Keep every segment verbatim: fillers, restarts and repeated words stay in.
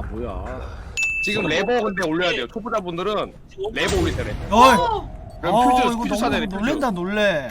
뭐야? 지금 레버 근데 올려야 돼요. 초보자분들은 레버 올리세요. 어이. 그럼 어, 퓨즈 이거 퓨즈 너무 찾아야 돼. 놀랜다 놀래.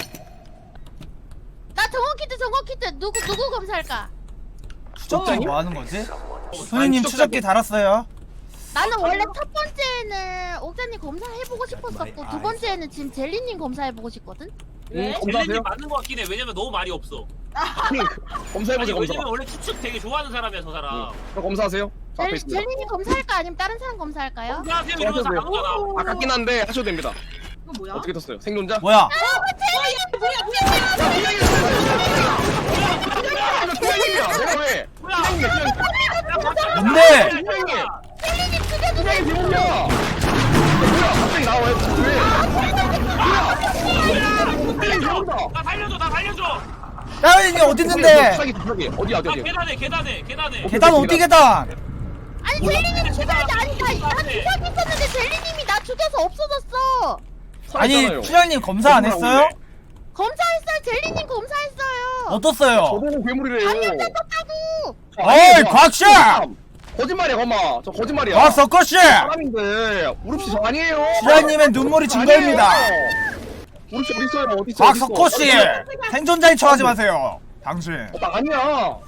나 정원키트 정원키트 누구 누구 검사할까? 추적자니 뭐 하는 거지? 선생님 추적기 달았어요. 나는 원래 첫 번째는 옥자님 검사해보고 싶었었고 두 번째는 지금 젤리님 검사해보고 싶거든? 응, 젤리님 검사하세요. 맞는 거 같긴 해. 왜냐면 너무 말이 없어. 아니, 아니 검사해보세요. 검사. 왜냐면 원래 추측 되게 좋아하는 사람이야 저 사람. 응. 검사하세요. 저 앞에 젤, 있습니다. 젤리님 검사할까 아니면 다른 사람 검사할까요? 안녕하세요 이러면서 안 오잖아. 아깝긴 한데 하셔도 됩니다. 이거 뭐야? 어떻게 떴어요? 생존자? 뭐야? 투명이야. 내가 왜? 뭐야? 뭔데? 투명이. 젤리님 죽여주세요! 투명이 비밀이야. 뭐야? 갑자기 나와요? 왜? 뭐야? 나 살려줘 나 살려줘. 다현이 어디 있는데? 투명이 투명이 어디야 어디 아 어디? 계단에 계단에 계단에. 계단 어디 계단? 아니 몰라. 젤리님 죽여야지! 아니 나, 나 네. 주사기 있었는데 젤리님이 나 죽여서 없어졌어! 아니 추장님 검사 안 했어요? 검사했어요! 젤리님 검사했어요! 어떻어요? 저보고 괴물이래요. 떴다고! 어이 곽샤! 거짓말이야 거마. 저 거짓말이야. 곽석거씨! 사람인데 우릅씨 저 아니에요. 추장님의 눈물이 증거입니다. 우릅씨 어디 있어요? 어디 있어? 곽석거씨! 생존자인 척하지 마세요. 당신. 어, 나 아니야.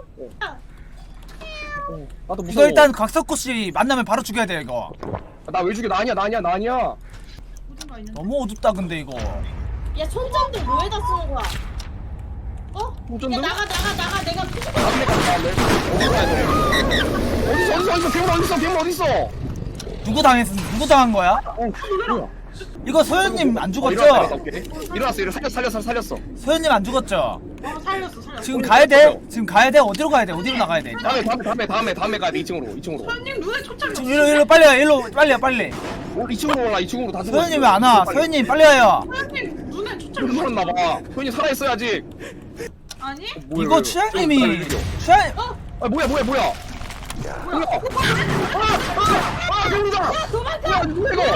어, 나도 무서워. 이거 일단 곽석거씨 만나면 바로 죽여야 돼 이거. 나 왜 죽여? 나 아니야 나 아니야 나 아니야. 어딘가 있는데? 너무 어둡다 근데 이거. 야 손전등 뭐에다 쓰는 거야? 어? 손전등? 야 나가 나가 나가 내가 퓨즈 다음에 가자 다음에. 어디 가야 돼? 어디서 어디서 어디서 괴물 어디서 괴물 어디서? 누구 당했어? 누구 당한 거야? 어 뭐야? 이거 소연님 안 어, 죽었죠? 일어났어 일어났어 일어났어 살렸어 살렸어 살렸어. 소연님 안 죽었죠? 어 살렸어 살렸어. 지금 가야 돼? 지금 가야 돼? 어디로 가야 돼? 어디로 나가야 돼? 다음에 다음에 다음에 다음에 다음에 가야 돼 이 층으로 이 층으로. 손님 눈에 초점이 지금 일로 일로 빨리 와 일로 빨리 와 빨리. 어, 이 층으로 올라 이 층으로 다 죽어. 소연님 왜 안 와? 소연님 빨리 와요. 손님 눈에 초점이 좀 살았나 봐. 소연이 살아 있어야 아직. 아니? 뭐야, 이거 이거. 추장님이 좀 추장 아 뭐야 뭐야 뭐야? 뭐야? 아아아 괴물이다. 도망가. 뭐야 이거?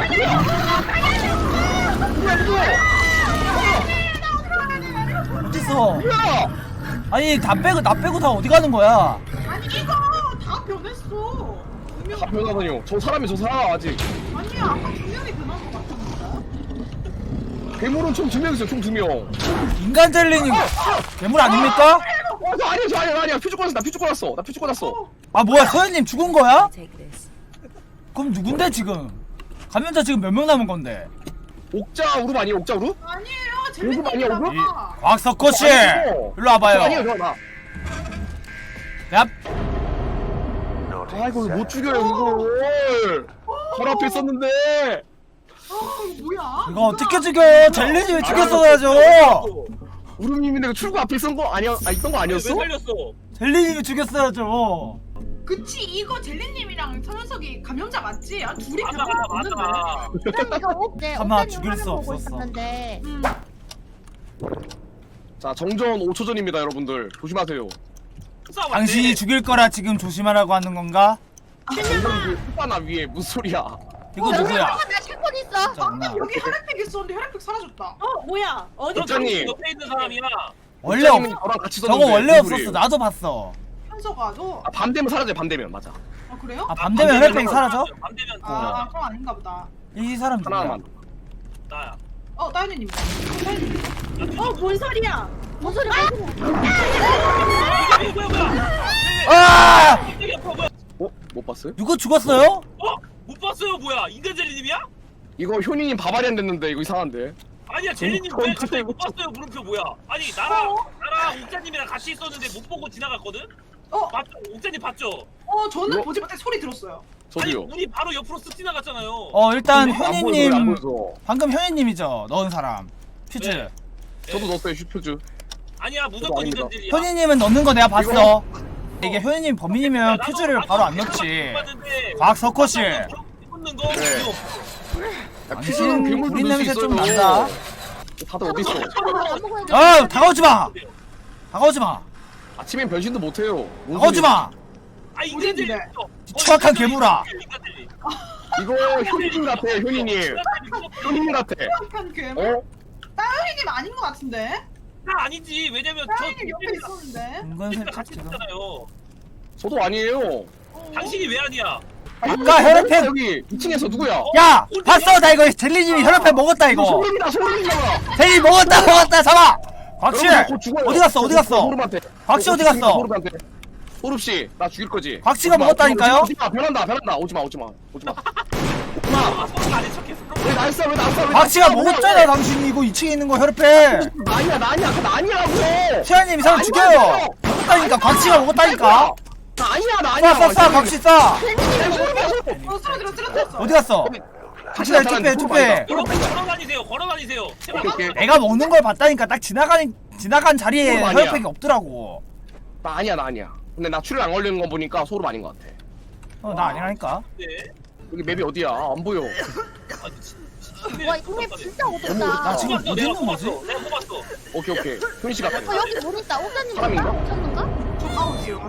뭐야 이거? 어딨어? 뭐야? 아니 다 빼고 나 빼고 다 어디 가는 거야? 아니 이거 다 변했어. 분명 다 변하다니요. 저 사람이 저 사람 아직. 아니야 아까 분명히 변한 것 같았는데. 괴물은 총 두 명 있어요. 총 두 명. 인간 젤리님 괴물 아닙니까? 와, 저 아니야, 저 아니야, 나 아니야. 퓨즈 꺼놨어, 나 퓨즈 꺼놨어, 나 퓨즈 꺼놨어. 아 뭐야 소연님 죽은 거야? 그럼 누군데 지금? 감염자 지금 몇 명 남은 건데? 옥자 우룹 아니에요, 옥자 우룹? 아니에요 오금 아니야, 오금? 이 젤리님이라고. 곽석호 씨 아니고. 일로 와봐요. 저 아니에요, 저 나. 야 아, 이거 못 죽여요, 이걸. 바로 앞에 있었는데. 아 이거 뭐야? 이거 어떻게 죽여요? 젤리님이 죽였어야죠. 우룹님인데 그 출구 앞에 있던 거 아니야? 아, 있던 거 왜 아니었어? 살렸어? 젤리님이 죽였어야죠. 그치 이거 젤리님이랑 서현석이 감염자 맞지? 아 둘이 맞아 감염자 맞는데. 맞아. 난 이거 옥제 가만, 옥자님 죽일 화면 수 보고 없었어. 있었는데 음. 자, 정전 오 초 전입니다, 여러분들. 조심하세요. 싸워, 당신이 맞네. 죽일 거라 지금 조심하라고 하는 건가? 정전 그 끝바나 위에 무슨 소리야? 이거 누구야? 나 샷건 있어! 잠깐만. 여기 혈액팩 있었는데 혈액팩 사라졌다. 어 뭐야 어디 너 옥자님. 당신 옆에 있는 사람이야. 원래 없, 옥자님이 저랑 같이 저거 있었는데 원래 무슨 없었어. 소리예요? 나도 봤어. 현석아 너. 아, 밤 되면 사라져요, 밤 되면. 맞아. 아 그래요? 아 밤 되면 혈액팩 사라져? 밤 되면 아, 아 그럼 아닌가 보다. 이 사람 누구야? 하나만. 나야. 어 따윤이님. 어뭔 소리야 뭔 소리야? 뭔 소리야? 이게 뭐야 뭐야? 아! 이게 뭐야? 어? 못 봤어요? 누구 죽었어요? 어? 못 봤어요 뭐야? 인간 젤리님이야? 이거 효니님 바바리안 됐는데, 이거 이상한데. 아니야 젤리님 어, 왜 어, 갑자기 어, 못 봤어요 물음표 뭐야? 아니 나랑 나랑 옥자님이랑 같이 있었는데 못 보고 지나갔거든? 어, 맞죠? 옥자님 봤죠? 어 저는 뭐? 보지 못해 소리 들었어요. 아니 저도요. 우리 바로 옆으로 쓱 지나갔잖아요. 어 일단 안 보여서, 안 현이님 보여서. 방금 현이님이죠 넣은 사람 퓨즈. 네. 저도 넣었어요, 슈표즈. 아니야 무조건 아닙니다. 인간 젤리야. 현이님은 넣는 거 내가 봤어. 이게 현이님 범인이면 퓨즈를 바로 안 넣지. 곽석호 씨. 묻는 거 네. 이거 야, 당신 퓨즈는 괴물도 우린 넣을 수 냄새 좀 있어요. 난다. 다들 어디 있어? 안 먹어야 돼. 아 다가오지 마. 다가오지 마. 아침엔 변신도 못해요. 뭔 다가오지 소리야. 마. 아 인간 젤리 어딘데? 있어. 추악한 괴물아. 인간 젤리. 이거 효니님 같아, 효니님. 효니님 같아. 한 괴물? 어? 따윤이님 아닌 것 같은데? 나 아니지 왜냐면 저 따윤이님 옆에 있었는데. 은근 랑 살짝 같이 지금. 있잖아요. 저도 아니에요. 어 당신이 왜 아니야? 아까 혈액팩 여기 이 층에서 누구야? 야 봤어 나 이거 젤리님이 혈액팩 먹었다 이거 소름이다 소름이잖아. 젤리 먹었다 먹었다 잡아 곽씨 여러분, 곧 죽어요. 어디 갔어 어디 갔어 소름한테. 곽씨 어디 갔어 소름한테. 소름 씨, 나 죽일 거지. 곽씨가 오지마, 먹었다니까요? 오지마, 변한다, 변한다. 오지마, 오지마, 오지마. 오지마. 아, 손을 안해 척했어. 왜 날 쏴, 왜 날 쏴, 왜 곽씨가 날 쏴, 먹었잖아 왜? 당신이 이거 이 층에 있는 거 혈액팩 나 아니야, 나 아니야, 나 아니라고. 시아님 이 사람 죽여요 먹었다니까 곽씨가 먹었다니까 나 아니야, 나 아니야. 쏴 쏴 쏴 곽씨 쏴 어 쓰러들어 쓰러졌어. 어디 갔어 곽씨 날 투표해 투표해 걸어 걸어 다니세요. 걸어 다니세요. 제발. 오케이, 오케이. 내가 먹는 걸 봤다니까 딱 지나가는 지나간 자리에 소름 아니야. 혈액팩이 없더라고 나 아니야, 나 아니야. 근데 나 출혈 안 걸리는 거 보니까 소름 아닌 것 같아. 어 나 아니라니까 네. 여기 맵이 어디야? 안 보여. 아니, 진- 진- 와 이거 진짜 나 어둡다. 지금 뽑았어. 어디 내가 있는 거지? 뽑았어. 내가 뽑았어. 오케이, 오케이. 효민 씨 같아. 어 여기 문 있다. 옥자님 사람인가? 봤나? 옥자님가? 저 가운데요.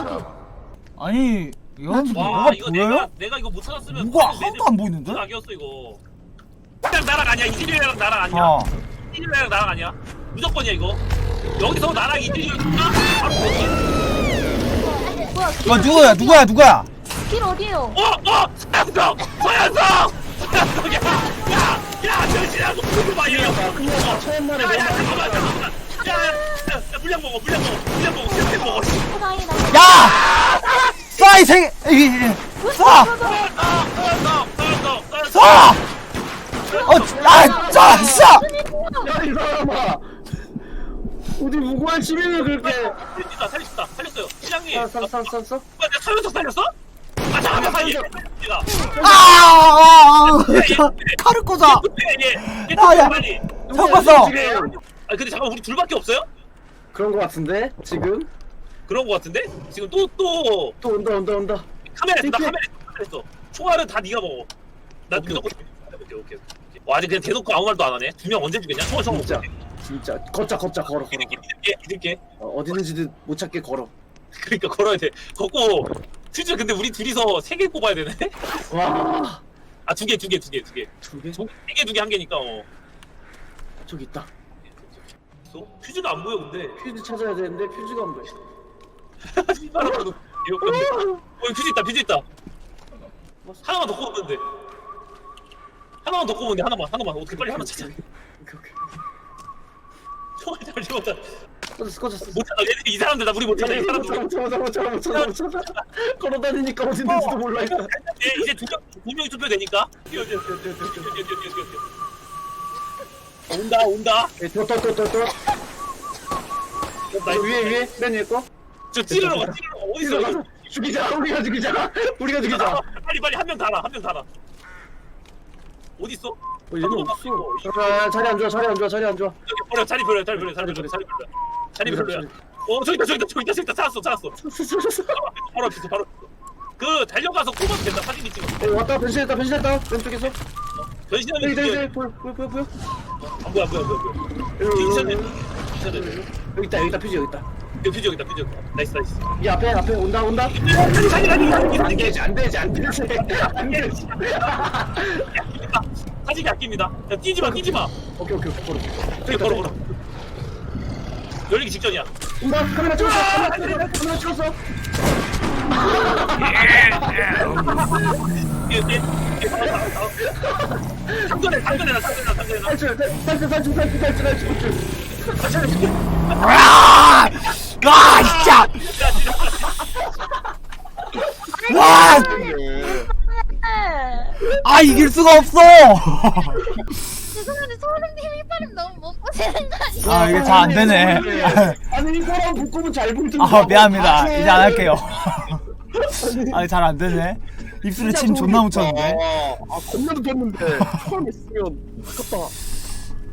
아니 여러분 와 뭐가 이거 보여요? 내가 내가 이거 못 찾았으면 뭐가 바로 하나도 안 보이는데? 낙이었어 이거. 그냥 나랑 아니야. 이진이랑 나랑 아니야. 어 이진이랑 나랑 아니야. 무조건이야 이거. 여기서 나랑 이진이랑 바로 보지. 뭐야 이거 누구야 누구야 누구야 길 어디에요? 어! 어! 서현석! 서현석! 서현석! 야! 야! 야! 정신하고 그거 봐 얘! 처음 말에 야! 야! 내가 잠깐만 잠깐만! 야! 야! 야! 물량 먹어 물량 먹어 물량 먹어 물량 먹어 어 다행이다. 야! 쏴! 이 생... 이... 쏴! 서현석! 서현석! 서현석! 쏴! 어! 아! 쏴! 쏴! 야, 이 사람아. 어디 무고한 시민을 그렇게. 살렸다 살렸다 살렸어요 시장님! 쌀, 쌀, 쌀, 쌀. 아, 내가 서현석 살렸어? 아 잠깐만 아, 얘! 얘가 아! 아! 아! 칼을 꽂아! 얘! 얘! 아, 야. 빨리! 형 봤어! 지금 아 근데 잠깐 우리 둘밖에 없어요? 그런 거 같은데 지금 그런 거 같은데? 지금 또 또 또 온다 온다 온다. 카메라 있어 나 핑크. 카메라 있어 카메라 있어 총알은 다 네가 먹어 나 오케이, 무조건 오케이 오케이 오케이 와 아직 그냥 대놓고 아무 말도 안 하네 두 명 언제 죽였냐? 총알 총알 진짜 먹고 진짜 걷자 걷자 걸어 걸어. 믿을게 믿을게 믿을게 어, 어디 있는지도 못 찾게 걸어. 그러니까 걸어야 돼 걷고 진짜 근데 우리 둘이서 세 개 뽑아야 되네? 와. 아 두 개 두 개 두 개 두개 두 개? 세 개 두 개 한 개니까 어 저기 있다. 있어? 퓨즈가 안 보여 근데 퓨즈 찾아야 되는데 퓨즈가 안 보여. 하나만 어 퓨즈 있다 퓨즈 있다 하나만 더 꼽으면 돼 하나만 더 꼽으면 돼 하나만 하나만 어떻게 빨리 하나 찾아 오케이 오케이. 총알 잘 집었다 꺼졌어 꺼졌어. 못 찾아 얘들 이 사람들 나 우리 못 찾아 이 사람들 못 찾아 못 찾아 못 찾아 못 찾아. 걸어다니니까 어디 있는지도 몰라. 일단. 예, 이제 두 명, 두 명이 투표되니까. 뛰어, 뛰어, 뛰어, 뛰어, 뛰어, 뛰어, 뛰어, 뛰어, 뛰어, 뛰어. 온다, 온다. 또또또또 또. 나 위에 위에 맨 위에 거. 저 찌르러 가, 찌르러 가. 어디 있어? 죽이자 우리가 죽이자 우리가 죽이자. 빨리, 빨리 한 명 달아, 한 명 달아. 어디 있어? 어, 얘는 없어. 자, 자리 안 좋아 자리 안 좋아 자리 안 좋아. 여기 버려, 자리 버려, 자리 버려, 자리 버려, 자리 버려. 자리 별로야. 어, 저기 있다, 저기 있다, 저기 있다, 저기 있다. 찾았어, 찾았어. 바로 앞에 있어, 바로 앞에 있어. 그 달려가서 꼽아도 된다. 사진 찍어. 어, 왔다 변신했다 변신했다 왼쪽에서. 변신하면 여기 여기 이게 여기 보여 보여 보여 보여. 안 보여, 안 보여, 안 보여, 안 보여. 여기, 퓨즈네, 여기, 퓨즈네. 여기 있다 여기 있다 퓨즈 여기 있다. 여기 퓨즈 여기다, 퓨즈 여기다. 나이스, 나이스. 이 앞에 앞에 온다 온다. 자기, 자기, 자기, 자기, 안 자기. 되지 안 되지 안 되지 안 되지. 사진이 아낍니다. 야, 뛰지 마, 뛰지 마. 오케이 오케이 오케이 걸어. 저기 걸어, 걸어. 열리기 직전이야. 온다 카메라 찍었어 카메라 찍었어 카메라 찍었어. 예, 예, 예, 상전해, 상전해, 나 상전해, 나 상전해. 나. 탈출 탈출 탈출 탈출 탈출 탈출 탈출. 아! 아 진짜! 와! 아 이길 수가 없어! 죄송한데 소름님 이빨은 너무 못 보시는 거 아니에요? 아 이게 잘 안 되네. 아니 이거랑 묶으면 잘 붙는다. 아 미안합니다. 이제 안 할게요. 아 잘 안 되네. 입술에 침 존나 묻혔는데. 아 겁나 눕혔는데 처음 했으면 아깝다.